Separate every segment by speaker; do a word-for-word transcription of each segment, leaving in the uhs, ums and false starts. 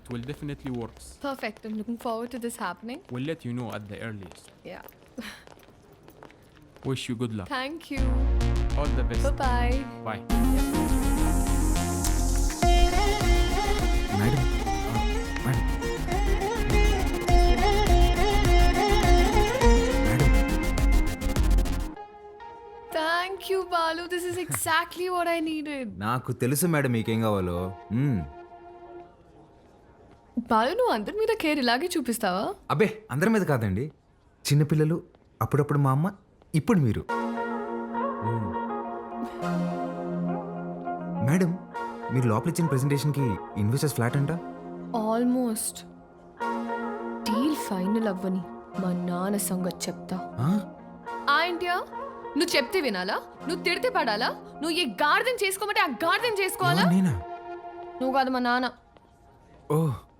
Speaker 1: will definitely works.
Speaker 2: Perfect. I'm looking forward to this happening.
Speaker 1: We'll let you know at the earliest.
Speaker 2: Yeah.
Speaker 1: Wish you good luck.
Speaker 2: Thank you.
Speaker 1: All the best.
Speaker 2: Bye-bye.
Speaker 1: Bye.
Speaker 3: Madam madam madam
Speaker 2: Thank you, Balu. This is exactly what I needed.
Speaker 3: నాకు తెలుసు madam మీకేం కావాలో. మ్మ్.
Speaker 2: బాలు నువ్వు అందరి మీద care ఇలాగే చూపిస్తావా?
Speaker 3: అబ్బే అందరి మీద కాదండి, చిన్నపిల్లలు, అప్పుడప్పుడు మా అమ్మ, ఇప్పుడు మీరు. మ్మ్. మేడం మీరు లోపల ఇచ్చిన ప్రెజెంటేషన్కి ఇన్వెస్టర్స్ ఫ్లాట్ అంట.
Speaker 2: ఆల్మోస్ట్. డీల్ ఫైనల్ అవ్వని మా నాన్న సంగతి చెప్తా.
Speaker 3: ఆ?
Speaker 2: ఏంటియా నువ్వు చెప్తే వినాలా? నువ్వు తిడితే పడాలా? నువ్వు ఏ గార్డెన్ చేసుకోమంటే ఆ గార్డెన్ చేసుకోవాలా?
Speaker 3: ఎవరు, నేనా?
Speaker 2: నువ్వు కాదు మా నాన్న.
Speaker 3: ఓ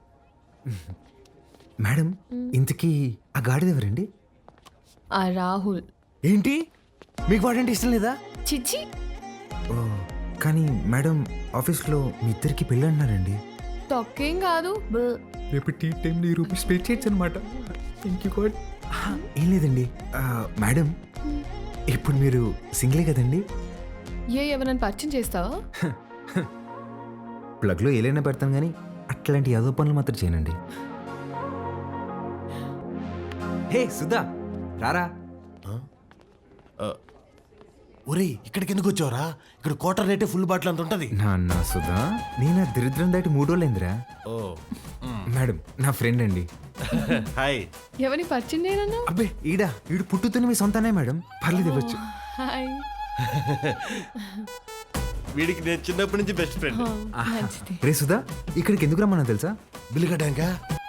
Speaker 3: మేడం ఇంతకీ ఆ గాడిద ఎవరండి?
Speaker 2: ఆ రాహుల్.
Speaker 3: ఏంటి మీకు వాడంటే ఇష్టం లేదా?
Speaker 2: చిచ్చి.
Speaker 3: ఓ కానీ మేడం ఆఫీస్లో మీ ఇద్దరికి పెళ్ళి అన్నారండి.
Speaker 2: తొక్కేం కాదు.
Speaker 3: రేపు టీ టైంలో ఈ రూపీస్ పే చేయొచ్చు అనమాట. Thank you God. ఏం లేదండి ఆ, మేడం ఇప్పుడు మీరు సింగిలే కదండి?
Speaker 2: ఏ ఎవరైనా పరిచయం చేస్తావా?
Speaker 3: ప్లగ్లో ఏలైనా పెడతాను కానీ అట్లాంటి యాదో పనులు మాత్రం చేయనండి. హే సుధా రారా.
Speaker 4: ఒరేయ్ ఇక్కడికి ఎందుకు వచ్చావురా? ఇక్కడ క్వార్టర్ రేటే ఫుల్ బాటిల్ అంత ఉంటది.
Speaker 3: నాన్న సుధా నేను దరిద్రం దాటి మూడు రోజులైందిరా.
Speaker 4: ఓ
Speaker 3: మేడం నా ఫ్రెండ్ అండి.
Speaker 4: హాయ్.
Speaker 2: ఎవరిని పరిచయం చేయనన్నా?
Speaker 3: అబ్బే ఈడా ఈడు పుట్టుతున్న మీ సొంతనే మేడం, పర్లేదు ఇవ్వచ్చు.
Speaker 2: హాయ్.
Speaker 4: వీడికి నేను చిన్నప్పటి నుంచి బెస్ట్ ఫ్రెండ్.
Speaker 2: మంచిది.
Speaker 3: రే సుధా ఇక్కడికి ఎందుకు రమ్మన్నా తెలుసా?
Speaker 4: బిల్లు కట్టాక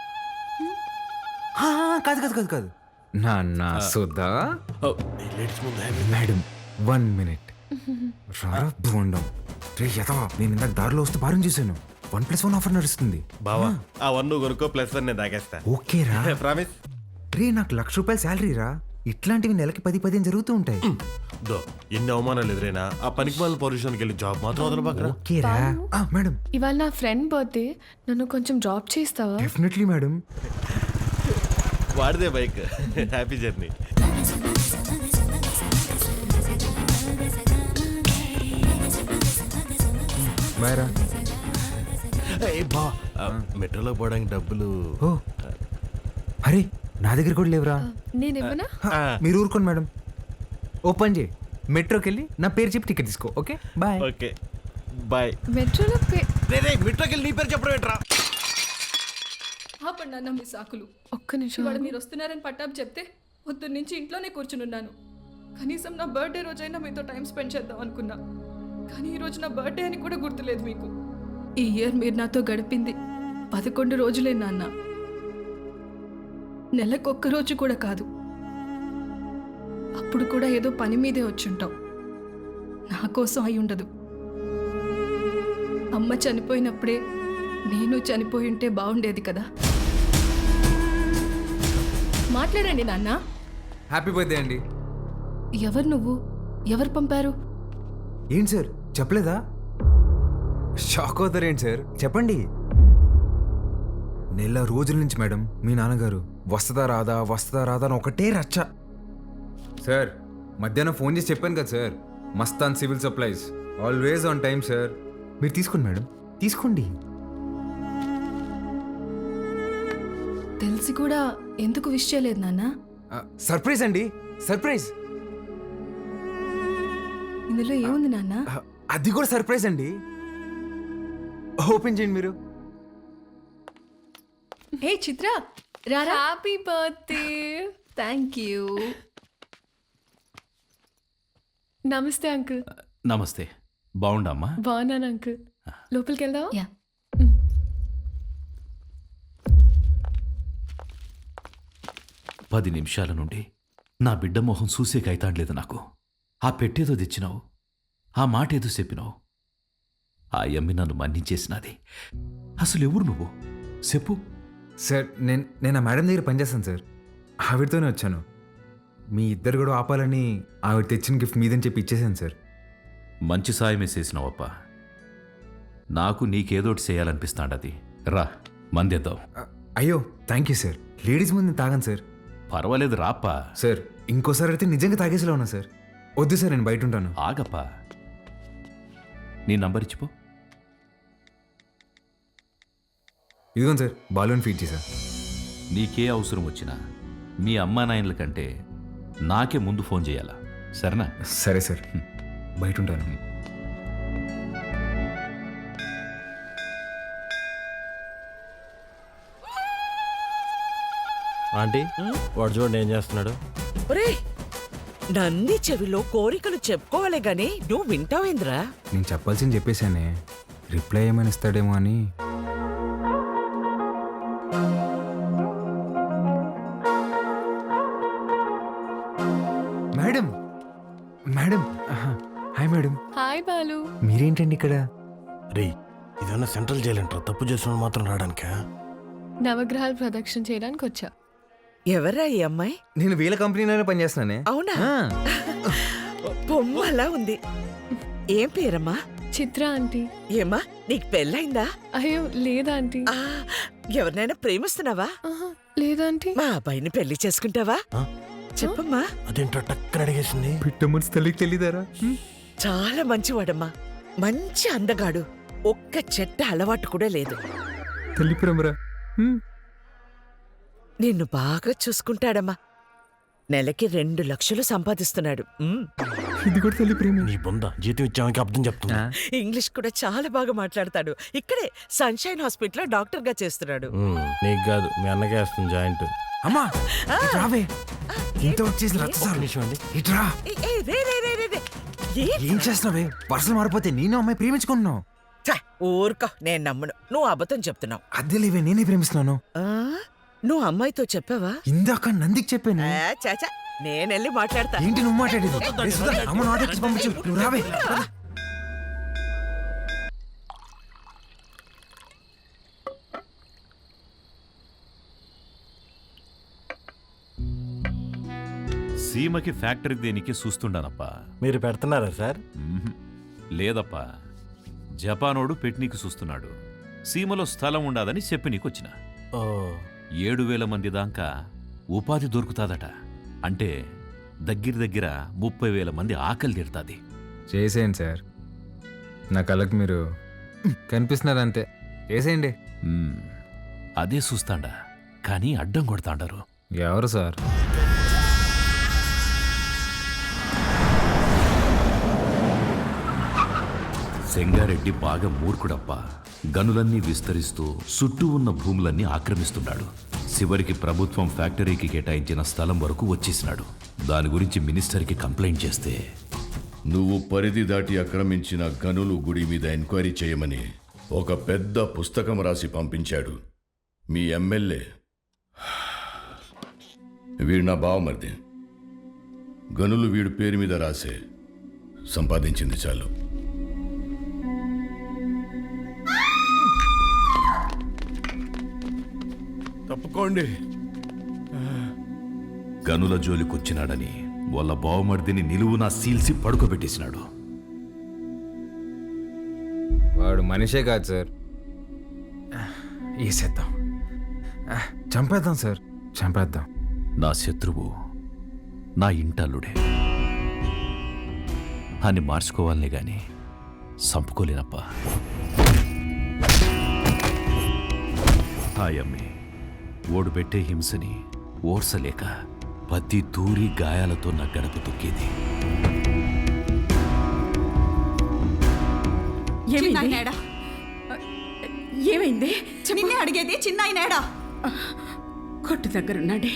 Speaker 3: ఆ, కాదు కాదు కాదు కాదు నాన్న సుధా.
Speaker 4: లేడీస్ ముందు
Speaker 3: మేడం వన్ మినిట్ రారా బోండం. రే యథవా నేను ఇందాక దారిలో వస్తూ భారం చూశాను. వన్ ప్లస్ వన్ ఆఫర్ నడుస్తుంది.
Speaker 4: బావా ఆ వన్ నువ్వు కొనుక్కో, ప్లస్ వన్ నేను తాగేస్తా.
Speaker 3: ఓకే రా.
Speaker 4: ప్రామిస్.
Speaker 3: రే నాకు లక్ష రూపాయల శాలరీ రా. ఇట్లాంటివి నెలకి పది పదిహేను జరుగుతూ ఉంటాయి.
Speaker 4: దో ఎన్ని అవమానాలు ఎదురైనా ఆ పనికి మాలిన పొజిషన్కి వెళ్ళి జాబ్ మాత్రం వదల పక్కన.
Speaker 3: ఓకే రా. ఆ, మేడం
Speaker 2: ఇవాళ నా ఫ్రెండ్ బర్త్డే, నన్ను కొంచెం డ్రాప్ చేస్తావా?
Speaker 3: Definitely madam.
Speaker 4: వాడిదే బైక్. Happy journey.
Speaker 3: బాయ్ రా.
Speaker 4: బా మెట్రోలో పోవడానికి డబ్బులు.
Speaker 3: ఓ అరే నా దగ్గర కూడా లేవురా.
Speaker 2: నేను ఇవ్వనా?
Speaker 3: మీరు ఊరుకోండి మేడం. ఓపెన్ చేయి, మెట్రోకి వెళ్ళి నా పేరు చెప్పి టికెట్ తీసుకో. Okay bye.
Speaker 4: Okay bye.
Speaker 2: మెట్రోలో పే-
Speaker 4: మెట్రోకి వెళ్ళి నీ పేరు చెప్పడం ఏంట్రా?
Speaker 5: ఆపండి అన్న మీ సాకులు.
Speaker 2: ఒక్క నిమిషం.
Speaker 5: ఇవాళ మీరు వస్తున్నారని పట్టాపు చెప్తే పొద్దున్న నుంచి ఇంట్లోనే కూర్చునున్నాను. కనీసం నా బర్త్డే రోజైనా మీతో టైం స్పెండ్ చేద్దాం అనుకున్నా, కానీ ఈరోజు నా బర్త్డే అని కూడా గుర్తులేదు మీకు. ఈ ఇయర్ మీరు నాతో గడిపింది పదకొండు రోజులే నాన్న, నెలకొక్క రోజు కూడా కాదు. అప్పుడు కూడా ఏదో పని మీదే వచ్చుంటాం. నా కోసం అయి ఉండదు. అమ్మ చనిపోయినప్పుడే నేను చనిపోయి ఉంటే బాగుండేది కదా. మాట్లాడండి నాన్న.
Speaker 3: హ్యాపీ బర్త్డే అండి.
Speaker 5: ఎవరు నువ్వు? ఎవరు పంపారు?
Speaker 3: ఏంటి సార్ చెప్పలేదా? షాక్ అవుతారేంటి సార్, చెప్పండి. నెల రోజుల నుంచి మేడం మీ నాన్నగారు వస్తుందా రాదా వస్తుందా రాదా అని ఒకటే రచ్చ. సార్ మధ్యాహ్నం ఫోన్ చేసి చెప్పాను కదా sir, Mastan civil supplies always on time sir. మీరు తీసుకోండి మేడం, తీసుకోండి.
Speaker 5: తెలిసి కూడా ఎందుకు విష్ చేయలేదు నాన్న?
Speaker 3: సర్ప్రైజ్ అండి, సర్ప్రైజ్.
Speaker 5: ఇందులో ఏముంది నాన్న?
Speaker 3: అది కూడా సర్ప్రైజ్ అండి. ఓపెన్ చేయండి మీరు.
Speaker 5: ఏ చిత్ర రారా.
Speaker 2: Happy birthday.
Speaker 5: Thank you.
Speaker 2: నమస్తే అంకుల్.
Speaker 6: నమస్తే. బాగుండమ్మా?
Speaker 2: బాగున్నాను అంకుల్. లోపలికి వెళ్దావా?
Speaker 5: యా.
Speaker 6: పది నిమిషాల నుండి నా బిడ్డ మొహం చూసే కైతాడలేదు నాకు. ఆ పెట్టేదో తెచ్చినావు, ఆ మాట ఏదో చెప్పినావు. ఆ యమ్మి నన్ను మన్నించేసినది. అసలు ఎవరు నువ్వు చెప్పు.
Speaker 3: సార్ నేను నేను ఆ మేడం దగ్గర పనిచేస్తాను సార్, ఆవిడతోనే వచ్చాను. మీ ఇద్దరు కూడా ఆపాలని ఆవిడ తెచ్చిన గిఫ్ట్ మీదని చెప్పి ఇచ్చేసాను సార్.
Speaker 6: మంచి సాయమే చేసినావప్ప. నాకు నీకేదోటి చేయాలనిపిస్తాండది. రా మందేద్దాం.
Speaker 3: ఆ, అయ్యో థ్యాంక్ యూ సార్. లేడీస్ ముందు నేను తాగాను సార్.
Speaker 6: పర్వాలేదు రాప్పా.
Speaker 3: సార్ ఇంకోసారి అయితే నిజంగా తాగేసేలా ఉన్నా సార్. వద్దు సార్, నేను బయట ఉంటాను.
Speaker 6: ఆగప్పా. నీ నంబర్ ఇచ్చిపో.
Speaker 3: ఇదిగోండి సార్, బాలూన్ ఫీట్ చేశా.
Speaker 6: నీకే అవసరం వచ్చినా మీ అమ్మా నాయనల కంటే నాకే ముందు ఫోన్ చేయాలా, సరేనా?
Speaker 3: సరే సార్, బయట ఉంటాను.
Speaker 4: ఆంటీ వాడు చూడండి ఏం చేస్తున్నాడు.
Speaker 7: ఒరేయ్, నన్ని చెవిలో కోరికలు చెప్పుకోవాలే గాని నువ్వు వింటావేంద్రా?
Speaker 3: నేను చెప్పాల్సింది చెప్పేశానే, రిప్లై ఏమైనా ఇస్తాడేమో అని. Madam madam hi madam.
Speaker 2: Hi Balu.
Speaker 3: మీరేంటండి ఇక్కడ?
Speaker 4: రే ఇదన్నా సెంట్రల్ జైలు అంటారా? తప్పు చేసిన మాత్రం రావడానికా?
Speaker 2: నవగ్రహాలు ప్రదక్షిణ చేయడానికి వచ్చా.
Speaker 7: ఎవరా ఈ అమ్మాయి?
Speaker 3: నేను వీళ్ళ కంపెనీలోనే పనిచేస్తున్నానే.
Speaker 7: అవునా?
Speaker 3: ఆ,
Speaker 7: బొమ్మలా ఉంది. ఏం పేరమ్మా?
Speaker 2: చిత్ర ఆంటీ.
Speaker 7: ఏమ్మా నీకు పెళ్ళైందా?
Speaker 2: అయ్యో లేదా ఆంటీ.
Speaker 7: ఆ, ఎవరినైనా ప్రేమిస్తున్నావా?
Speaker 2: ఆహా, లేదా ఆంటీ.
Speaker 7: మా అబ్బాయిని పెళ్లి చేసుకుంటావా?
Speaker 4: ఆ?
Speaker 7: చెప్పమ్మా.
Speaker 4: అదేంటో టక్కన అడిగేసింది.
Speaker 3: పిట్ట మనసు తల్లికి తెలియదారా?
Speaker 7: చాలా మంచివాడమ్మా, మంచి అందగాడు, ఒక్క చెట్ట అలవాటు కూడా లేదు.
Speaker 3: తల్లి ప్రేమరా.
Speaker 7: నిన్ను బాగా చూసుకుంటాడమ్మా. నెలకి రెండు లక్షలు సంపాదిస్తున్నాడు. ఉమ్.
Speaker 3: ఇది కూడా తల్లి ప్రేమ.
Speaker 4: నీ బొంద జీతం ఇచ్చామని అర్థం చెప్తున్నా.
Speaker 7: ఇంగ్లీష్ కూడా చాలా బాగా మాట్లాడతాడు. ఇక్కడే సన్షైన్ హాస్పిటల్లో డాక్టర్ గా చేస్తున్నాడు.
Speaker 4: ఉమ్, నీకు కాదు మీ అన్నకే వేస్తుంది జాయింట్.
Speaker 3: అమ్మా ఇటు రావే. ఇంత వచ్చేసి రచ్చ సార్.
Speaker 4: నిమిషం అండి.
Speaker 3: ఇట్రా.
Speaker 7: ఏ, ఏ, రే, రే, రే, రే, రే. ఏ?
Speaker 3: ఏం చేస్తున్నావే? పర్సలు మారిపోతే నేను అమ్మాయి ప్రేమించుకుంటున్నావు.
Speaker 7: ఛ, ఊరుకో, నేను నమ్మను. నువ్వు అబద్ధం చెప్తున్నావు.
Speaker 3: అద్దె లేవే, నేనే ప్రేమిస్తున్నాను.
Speaker 7: ఆ? నువ్వు అమ్మాయితో చెప్పావా?
Speaker 3: ఇందాక నందికి చెప్పాను.
Speaker 7: ఆ, చాచా, నేనెళ్ళి మాట్లాడతా.
Speaker 3: ఏంటి నువ్వు మాట్లాడేది? రే సుధా, అమ్మను ఆర్డర్ ఇచ్చి పంపించు. నువ్వు రావే.
Speaker 6: సీమకి ఫ్యాక్టరీ దేనికి చూస్తుండానప్పా.
Speaker 4: మీరు పెడుతున్నారా సార్?
Speaker 6: మ్మ్హ్. లేదప్పా, జపానోడు పెట్నీకి చూస్తున్నాడు. సీమలో స్థలం ఉండాదని చెప్పి నీకొచ్చిన.
Speaker 4: ఓ
Speaker 6: ఏడు వేల మంది దాకా ఉపాధి దొరుకుతాదట. అంటే దగ్గర దగ్గర ముప్పై వేల మంది ఆకలి తీరుతాది.
Speaker 3: చేసేయండి సార్, నా కళ్ళకి మీరు కనిపిస్తున్నారు అంతే. చేసేయండి.
Speaker 6: మ్మ్. అదే చూస్తాండా, కానీ అడ్డం కొడతాండారు.
Speaker 3: ఎవరు సార్?
Speaker 6: సెంగారెడ్డి బాగా మూర్ఖుడప్ప. గనులన్నీ విస్తరిస్తూ చుట్టూ ఉన్న భూములన్నీ ఆక్రమిస్తున్నాడు. చివరికి ప్రభుత్వం ఫ్యాక్టరీకి కేటాయించిన స్థలం వరకు వచ్చేసినాడు. దాని గురించి మినిస్టర్కి కంప్లైంట్ చేస్తే,
Speaker 8: నువ్వు పరిధి దాటి ఆక్రమించిన గనులు గుడి మీద ఎంక్వైరీ చేయమని ఒక పెద్ద పుస్తకం రాసి పంపించాడు మీ ఎమ్మెల్యే. వీడు నా బావమరిది. గనులు వీడు పేరు మీద రాసే సంపాదించింది చాలు.
Speaker 4: తప్పుకోండి.
Speaker 6: గనుల జోలికొచ్చినాడని వాళ్ళ బావమర్దిని నిలువునా సీల్సి పడుకోబెట్టేసినాడు.
Speaker 3: వాడు మనిషే కాదు సార్. వేసేద్దాం, చంపేద్దాం సార్, చంపేద్దాం.
Speaker 6: నా శత్రువు నా ఇంటల్లుడే అని మార్చుకోవాలనే గాని చంపుకోలేనప్పా. హాయమ్మి ఓడు పెట్టే హింసని ఓర్సలేక పత్తి తూరి గాయాలతో నా గడప తొక్కేది.
Speaker 9: చిన్నాయనేడా? ఏమైంది? నిన్నే అడిగేది, చిన్నాయనేడా? కొట్టు దగ్గరున్నాడే.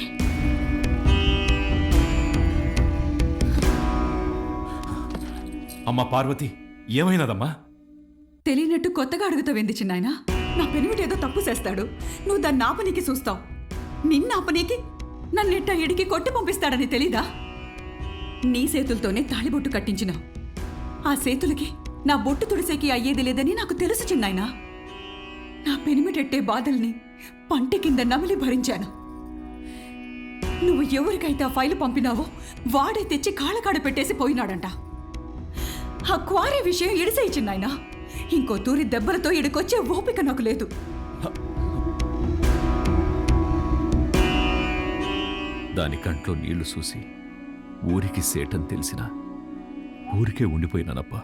Speaker 6: అమ్మా పార్వతి, ఏమైనదమ్మా?
Speaker 9: తెలియనట్టు కొత్తగా అడుగుతావేంది చిన్నాయన? నా పెనిమిటేదో తప్పు చేస్తాడు, నువ్వు దాన్ని ఆపనీకి చూస్తావు. నిన్న ఆపనీకి నన్నెట్ట ఇడికి కొట్టి పంపిస్తాడని తెలీదా? నీ చేతులతోనే తాళిబొట్టు కట్టించినావు. ఆ చేతులకి నా బొట్టు తుడిసేకి అయ్యేది లేదని నాకు తెలుసు చిన్నాయన. నా పెనిమిటెట్టే బాధల్ని పంటి కింద నమిలి భరించాను. నువ్వు ఎవరికైతే ఆ ఫైలు పంపినావో వాడే తెచ్చి కాళ్ళకాడ పెట్టేసి పోయినాడంట. ఆ క్వారీ విషయం ఇడిసేయి చిన్నాయన. ఇంకో తూరి దెబ్బలతో ఇడికొచ్చే ఓపిక నాకు లేదు.
Speaker 6: దాని కంట్లో నీళ్లు చూసి ఊరికి సేటని తెలిసినా ఊరికే ఉండిపోయినానప్పా.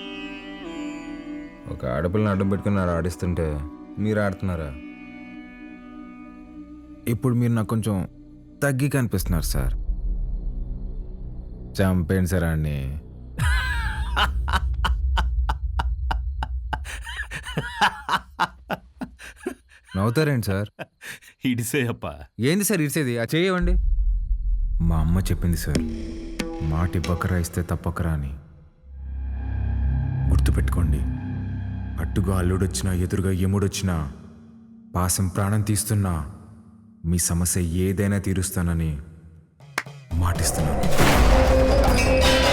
Speaker 3: ఒక ఆడపిల్లని అడ్డం పెట్టుకుని ఆడ ఆడిస్తుంటే మీరు ఆడుతున్నారా? ఇప్పుడు మీరు నాకు కొంచెం తగ్గి కనిపిస్తున్నారు సార్. చంపేయండి సార్ అండి. నవ్వుతారేంటి సార్?
Speaker 6: ఇడిసే అప్పా.
Speaker 3: ఏంది సార్ ఇచ్చేది? ఆ చేయవండి. మా అమ్మ చెప్పింది సార్, మాట ఇవ్వకరా ఇస్తే తప్పకరా అని. గుర్తుపెట్టుకోండి, అట్టుగా అల్లుడొచ్చినా ఎదురుగా ఎముడొచ్చినా పాసం ప్రాణం తీస్తున్నా మీ సమస్య ఏదైనా తీరుస్తానని మాటిస్తున్నాను.